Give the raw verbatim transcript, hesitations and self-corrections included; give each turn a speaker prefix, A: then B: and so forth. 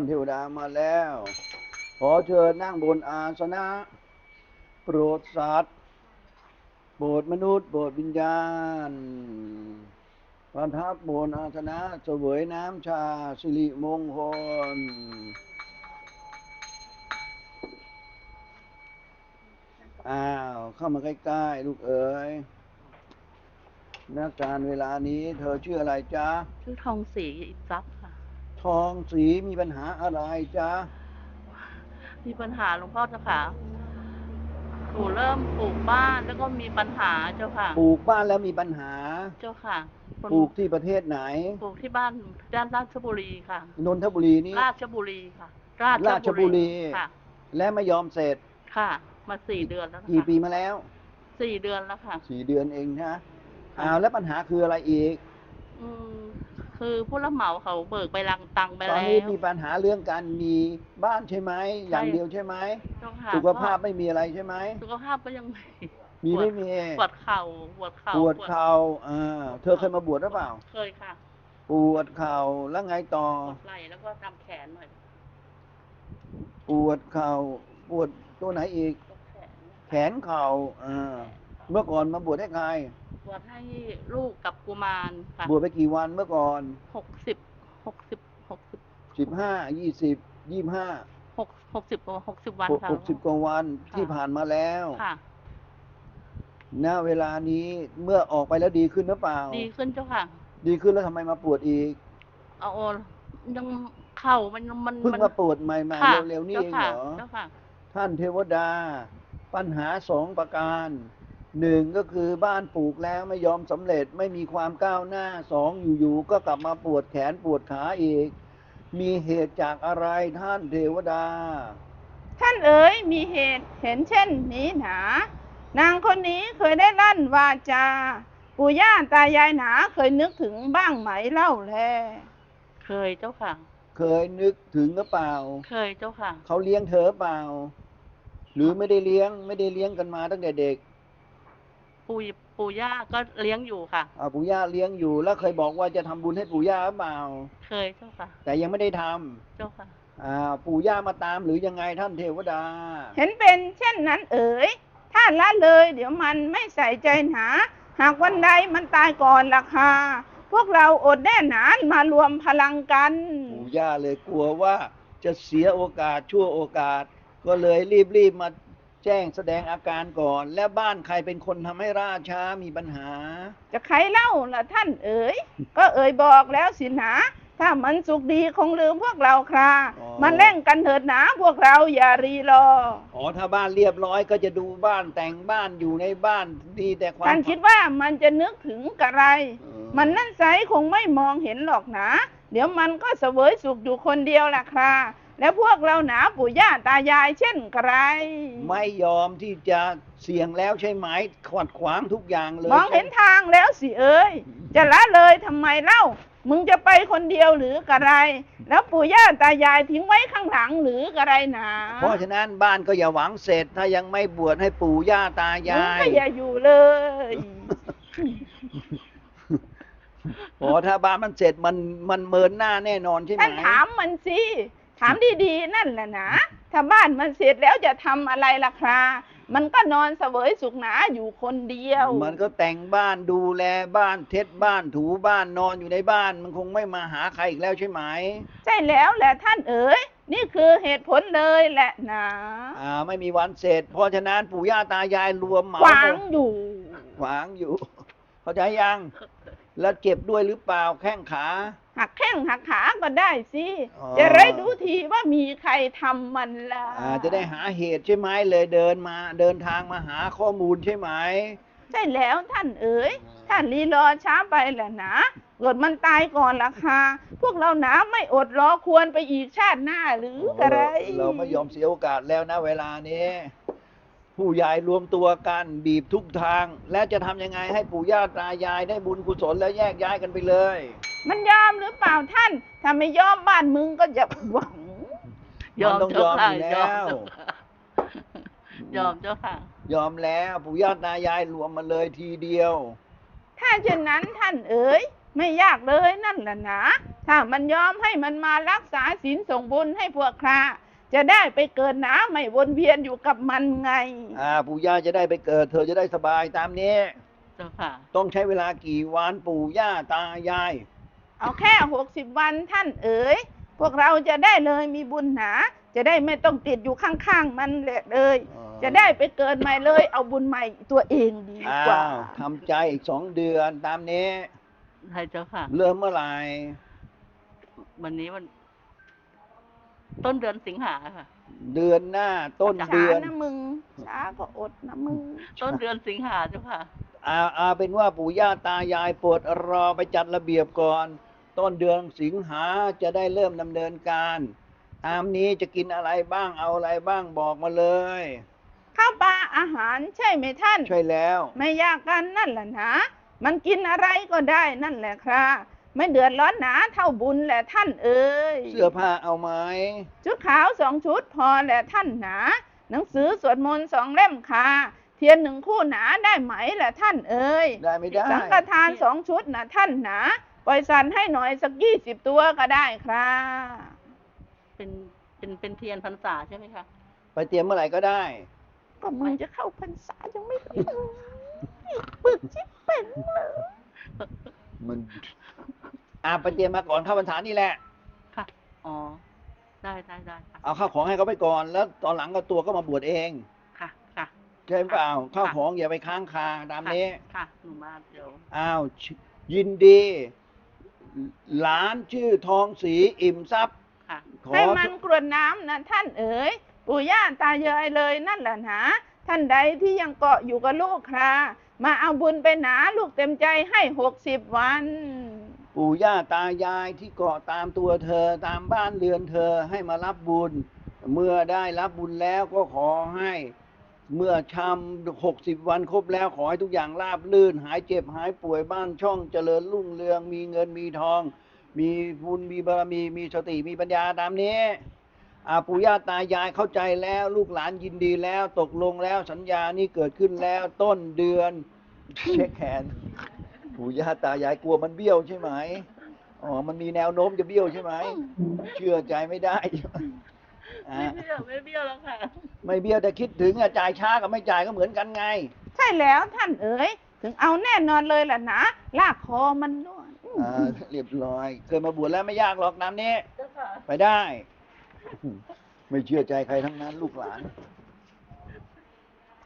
A: เทวดามาแล้วขอเชิญนั่งบนอาสนะโปรดสัตว์โปรดมนุษย์โปรดวิญญาณประทับบนอาสนะเสวยน้ำชาสิริมงคลอ้าวเข้ามาใกล้ๆลูกเอ๋ยณการเวลานี้เธอชื่ออะไรจ๊ะ
B: ชื่อทองศรีอิทรัพย์ค่ะ
A: ทองศรีมีปัญหาอะไรจ๊ะ
B: มีปัญหาหลวงพ่อเจ้าค่ะหนูเริ่มปลูกบ้านแล้วก็มีปัญหาเจ้าค่ะ
A: ปลูกบ้านแล้วมีปัญหา
B: เจ้าค่ะ
A: ปลูกที่ประเทศไหน
B: ปลูกที่บ้านด้านราชบุรีค่ะ
A: นนทบุรีนี่
B: ราชบุรีค่ะ
A: ราชบุรี
B: ค่ะ
A: และไม่ยอมเสร็จ
B: ค่ะมาสี่เดือนแล้วค่ะ
A: กี่ปีมาแล้ว
B: สี่เดือนแล้วค่ะ
A: สี่เดือนเองนะอ้าวแล้วปัญหาคืออะไรอีก
B: อืมคือผู้รับเหมาเขาเบิกไปรังตังไปแล้ว
A: ตอนนี้มีปัญหาเรื่องการมีบ้านใช่ไหมอย่างเดียวใช่ไหมสุขภาพไม่มีอะไรใช่ไหม
B: สุขภาพก็ยังมี
A: มีไม่มี
B: ปวดเข่าปวดเข่า
A: ปวดเข่าอ่าเธอเคยมาบวชหรือเปล่า
B: เคยค่ะ
A: ปวดเข่าแล้วไงต่อ
B: ปวดไหล่แล้วก็ตามแขนหน่อย
A: ปวดเข่าปวดตัวไหนอีกแขนเข่าอ่าเมื่อก่อนมาบวชให้ใคร
B: บวชให้ลูกกับกุมารค่ะ
A: บวชไปกี่วันเมื่อก่อน
B: หกสิบหกสิบหกสิบ
A: สิบห้ายี่สิบยี่ห้า
B: หกหกสิบกว่าหกสิบวันค่ะ
A: หกสิบกว่าวันที่ผ่านมาแล้วค่ะณเวลานี้เมื่อออกไปแล้วดีขึ้นหรือเปล่า
B: ดีขึ้นเจ้าค่ะ
A: ดีขึ้นแล้วทำไมมาปวดอีก
B: เอายังเข่ามันมัน
A: เพิ่งมาปวดใหม่ๆเร็วๆนี่เองเหรอท่านเทวดาปัญหาสองประการหนึ่งก็คือบ้านปลูกแล้วไม่ยอมสำเร็จไม่มีความก้าวหน้าสองอยู่ๆก็กลับมาปวดแขนปวดขาอีกมีเหตุจากอะไรท่านเทวดา
C: ท่านเอ๋ยมีเหตุเห็นเช่นนี้หนานางคนนี้เคยได้ลั่นวาจาปู่ย่าตายายหนาเคยนึกถึงบ้างไหมเล่าแล
B: เคยเจ้าค่ะ
A: เคยนึกถึงหรือเปล่า
B: เคยเจ้าค่ะ
A: เขาเลี้ยงเธอเปล่าหรือไม่ได้เลี้ยงไม่ได้เลี้ยงกันมาตั้งแต่เด็ก
B: ปู่ปู่ย่าก็เลี้ยงอยู่ค่ะ
A: อ่าปู่ย่าเลี้ยงอยู่แล้วเคยบอกว่าจะทำบุญให้ปู่ย่าหรือเปล่า
B: เคยเจ้าค่ะ
A: แต่ยังไม่ได้ทำ
B: เจ้าค่ะ
A: อ่าปู่ย่ามาตามหรือยังไงท่านเทวดา
C: เห็นเป็นเช่นนั้นเอ๋ยถ้าละเลยเดี๋ยวมันไม่ใส่ใจหนาหากวันใดมันตายก่อนราคาพวกเราอดแน่หนานมารวมพลังกัน
A: ปู่ย่าเลยกลัวว่าจะเสียโอกาสชั่วโอกาสก็เลยรีบๆมาแจ้งแสดงอาการก่อนและบ้านใครเป็นคนทำให้ราช้ามีปัญหา
C: จะใครเล่าล่ะท่านเอ๋ยก็เอ๋ยบอกแล้วสินะถ้ามันสุขดีคงลืมพวกเราครามันเล่นกันเถิดหนาพวกเราอย่ารีรอ
A: อ๋อถ้าบ้านเรียบร้อยก็จะดูบ้านแต่งบ้านอยู่ในบ้านดีแต่ความ
C: ท่านคิดว่ามันจะนึกถึงกะไรมันนั่นไซคงไม่มองเห็นหรอกนะเดี๋ยวมันก็เสวยสุขอยู่คนเดียวล่ะคราแล้วพวกเราหนาปู่ย่าตายายเช่นไกร
A: ไม่ยอมที่จะเสี่ยงแล้วใช่ไหมขวัดขวางทุกอย่างเลย
C: มองเห็นทางแล้วสิเอ้ยจะละเลยทำไมเล่ามึงจะไปคนเดียวหรือกะไรแล้วปู่ย่าตายายทิ้งไว้ข้างหลังหรือกะไรหนา
A: เพราะฉะนั้นบ้านก็อย่าหวังเสร็จถ้ายังไม่บวชให้ปู่ย่าตายาย
C: มึงก็อย่าอยู่เลย
A: โอ้ถ้าบ้านมันเสร็จมันมันเมินหน้าแน่นอนใช่ไหม
C: ท่านถามมันสิถามดีๆนั่นแหละนะถ้าบ้านมันเสร็จแล้วจะทำอะไรล่ะครามันก็นอนเสวยสุขหนาอยู่คนเดียว
A: มันก็แต่งบ้านดูแลบ้านเท็ดบ้านถูบ้านนอนอยู่ในบ้านมันคงไม่มาหาใครอีกแล้วใช่ไหม
C: ใช่แล้วแหละท่านเอ๋ยนี่คือเหตุผลเลยแหละนะ
A: อ่าไม่มีวันเสร็จเพราะฉะนั้นปู่ย่าตายายรวมเหมา
C: ขวางอยู่
A: ขวางอยู่เข้าใจยังแล้วเจ็บด้วยหรือเปล่าแข้งขา
C: หักแข้งหักขาก็ได้สิจะได้ดูทีว่ามีใครทำมันล่ะ
A: จะได้หาเหตุใช่ไหมเลยเดินมาเดินทางมาหาข้อมูลใช่ไหม
C: ใช่แล้วท่านเอ๋ยท่านรีรอช้าไปแหละนะเกิดมันตายก่อนราคาพวกเราหนาไม่อดรอควรไปอีกชาติหน้าหรืออะไร
A: เราไม่ยอมเสียโอกาสแล้วนะเวลานี้ผู้ใหญ่รวมตัวกันบีบทุกทางและจะทำยังไงให้ปู่ย่าตายายได้บุญกุศลแล้วแยกย้ายกันไปเลย
C: มันยอมหรือเปล่าท่านถ้าไม่ยอมบ้านมึงก็จะหวัง
A: ยอมต้องยอมอยู่แล้ว
B: ยอมเจ้าค่ะ
A: ยอมแล้วปู่ย่าตายายรวมมาเลยทีเดียว
C: ถ้าเช่นนั้นท่านเอ๋ยไม่ยากเลยนั่นแหละนะถ้ามันยอมให้มันมารักษาศีลส่งบุญให้พวกข้าจะได้ไปเกิดหนาไม่วนเวียนอยู่กับมันไง
A: อ่าปู่ย่าจะได้ไปเกิด เธอจะได้สบายตามนี้
B: เจ้าค่ะ
A: ต้องใช้เวลากี่วันปู่ย่าตายาย
C: เอาแค่หกสิบวันท่านเอ๋ยพวกเราจะได้เลยมีบุญหนา จะได้ไม่ต้องติดอยู่ข้างๆมันแหละเลย
A: อ๋อ
C: จะได้ไปเกิดใหม่เลย เอาบุญใหม่ตัวเองดี
A: อ้าก
C: ว่า
A: วทำใจอีกสองเดือนตามนี้
B: ใช่เจ้าค่ะ
A: เริ่มเมื่อไหร่
B: วันนี้มัน ต้นเดือนสิงหาค่ะ
A: เดือนหน้าต้น
C: ช้า
A: เดือน
C: นะมึงช้าก็อดนะมึง
B: ต้นเดือนสิงหาเจ้าค่ะ
A: อาอาเป็นว่าปู่ย่าตายายโปรดรอไปจัดระเบียบก่อน ต้นเดือนสิงหาจะได้เริ่มดำเนินการ ตามนี้จะกินอะไรบ้างเอาอะไรบ้างบอกมาเลย
C: ข้าวปลาอาหารใช่ไหมท่าน
A: ใช่แล้ว
C: ไม่ยากกันนั่นแหละนะมันกินอะไรก็ได้นั่นแหละครับไม่เดือดร้อนหนาเท่าบุญแหละท่านเอ๋ย
A: เสื้อผ้าเอาไหม
C: ชุดขาวสองชุดพอแหละท่านหนาหนังสือสวดมนต์สองเล่มค่ะเทียนหนึ่งคู่หนาได้ไหมแหละท่านเอ๋ย
A: ได้ไม่ได้
C: สังฆทานสองชุดนะท่านหนาปล่อยสันให้หน่อยสักยี่สิบตัวก็ได้ครับ
B: เป็นเป็นเป็นเทียนพรรษาใช่ไหมคะ
A: ไปเตรียมเมื่อไหร่ก็ได้
C: ก็มึงจะเข้าพรรษายังไม่ถึงปึกชิบเป็นเลย
A: มันอาไปเตรียมมาก่อนเข้าพรรษานี่แหละ
B: ค่ะ อ๋อ ได้ได้ได้ค่ะ
A: เอาข้าวของให้เขาไปก่อน แล้วตอนหลังก็ตัวก็มาบวชเอง
B: ค่ะ ค่ะ
A: ใช่เปล่าข้าว
B: ค่ะ
A: ของอย่าไปค้างคาตามนี้
B: ค่ะ หนูมาเดี๋ยว
A: อ้าวยินดี หลานชื่อทองศรีอิ่มทรัพย์
B: ค่ะ
A: ขอ
C: ให้มันกรวดน้ำนะท่านเอ๋ยปู่ย่าตายายเลยนั่นแหละนะท่านใดที่ยังเกาะอยู่กับลูกครามาเอาบุญไปหนาลูกเต็มใจให้หกสิบวัน
A: ปู่ย่าตายายที่เกาะตามตัวเธอตามบ้านเรือนเธอให้มารับบุญ เมื่อได้รับบุญแล้วก็ขอให้ เมื่อชำหกสิบวันครบแล้วขอให้ทุกอย่างราบรื่น หายเจ็บหายป่วยบ้านช่องเจริญรุ่งเรือง มีเงินมีทอง มีบุญมีบารมีมีสติมีปัญญาตามนี้อาปู่ย่าตายายเข้าใจแล้วลูกหลานยินดีแล้วตกลงแล้วสัญญานี้เกิดขึ้นแล้วต้นเดือน เช็คแขนปู่ย่าตายายกลัวมันเบี้ยวใช่ไหมอ๋อมันมีแนวโน้มจะเบี้ยวใช่ไหมเชื่อใจไม่ได้อ่ะ
B: ไม่เบี้ยวไม่เบี้ยวแล้วค่ะ
A: ไม่เบี้ยวแต่คิดถึงอะจ่ายช้ากับไม่จ่ายก็เหมือนกันไง
C: ใช่แล้วท่านเอ๋ยถึงเอาแน่นอนเลยล่ะนะลากคอมันด้วย
A: อ่าเรียบร้อยเคยมาบวชแล้วไม่ยากหรอกน้ำนี้
B: เจ้าค่ะ
A: ไปได้ ไม่เชื่อใจใครทั้งนั้นลูกหลาน
B: เ